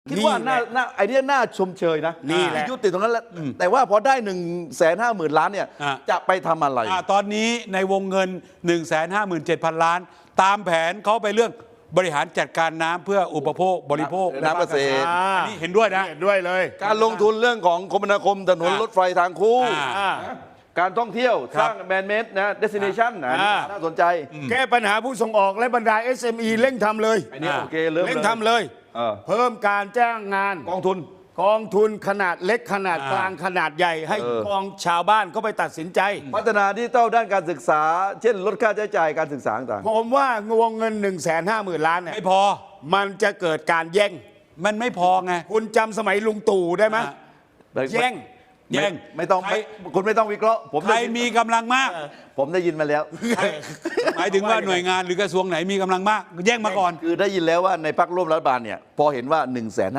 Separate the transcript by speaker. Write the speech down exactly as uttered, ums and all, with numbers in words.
Speaker 1: คิดว่าน่าน่าไอเดียน่าชมเชยนะ
Speaker 2: นี่แหละ
Speaker 1: ยุติตรงนั้นแล้วแต่ว่าพอได้หนึ่งแสนห้าหมื่นล้านเนี่ย
Speaker 3: อ่ะ
Speaker 1: จะไปทำอะไร
Speaker 3: อ่าตอนนี้ในวงเงิน หนึ่งแสนห้าหมื่นเจ็ดพัน ล้าน ตามแผนเขาไปเรื่องบริหารจัดการน้ำเพื่ออุปโภคบริโภค
Speaker 1: น้ำเกษตร
Speaker 3: อันนี้เห็นด้วยนะ
Speaker 2: เห็นด้วยเลย
Speaker 1: การลงทุนเรื่องของคมนาคมถนน
Speaker 3: อ่ะ
Speaker 1: รถไฟทางคู่
Speaker 3: อ่า
Speaker 2: อ่า
Speaker 1: การท่องเที่ยว
Speaker 3: ครั
Speaker 1: ส
Speaker 3: บ
Speaker 1: ร้างแมนเมดนะเดสติเนชันนะ
Speaker 2: อ่า
Speaker 1: น่าสนใจ
Speaker 2: แก้ปัญหาผู้ส่งออกและบรรดา เอส เอ็ม อี เร่งทำเลย
Speaker 1: อันนี้
Speaker 3: อ่า
Speaker 1: โอเคเริ่ม
Speaker 2: เร่ง
Speaker 1: เลย
Speaker 2: ทำเลย
Speaker 1: เออ
Speaker 2: เพิ่มการจ้างงาน
Speaker 1: กองทุน
Speaker 2: กองทุนขนาดเล็กขนาด
Speaker 3: อ่าก
Speaker 2: ลางขนาดใหญ่ ให้
Speaker 1: เออ
Speaker 2: กองชาวบ้านเขาไปตัดสินใจ
Speaker 1: พัฒนาดิจิทัลด้านการศึกษา เช่นลดค่าใช้จ่ายการศึกษาต่าง
Speaker 2: ผมว่าวงเงิน 1 5 0 0 0 0 ล้านเนี่ย
Speaker 3: ไม่พอ
Speaker 2: มันจะเกิดการแย่ง
Speaker 3: มันไม่พอไง
Speaker 2: คุณจำสมัยลุงตู่ได้ไหม
Speaker 3: อ่า
Speaker 1: ๆ
Speaker 2: แย่ง
Speaker 3: แย่ง
Speaker 1: ไม่ไม่ต้อง
Speaker 3: ใคร
Speaker 1: ไม่คุณไม่ต้องวิเคราะห์ผม
Speaker 3: ใคร
Speaker 1: ได้ยิน
Speaker 3: มีกำลังมาก
Speaker 1: ผมได้ยินมาแล้ว
Speaker 3: หมายถึงว่าหน่วยงานหรือกระทรวงไหนมีกำลังมาก แย่งมาก่อน
Speaker 1: คือได้ยินแล้วว่าในพรรคร่วมรัฐบาลเนี่ยพอเห็นว่า1นึ่งแสน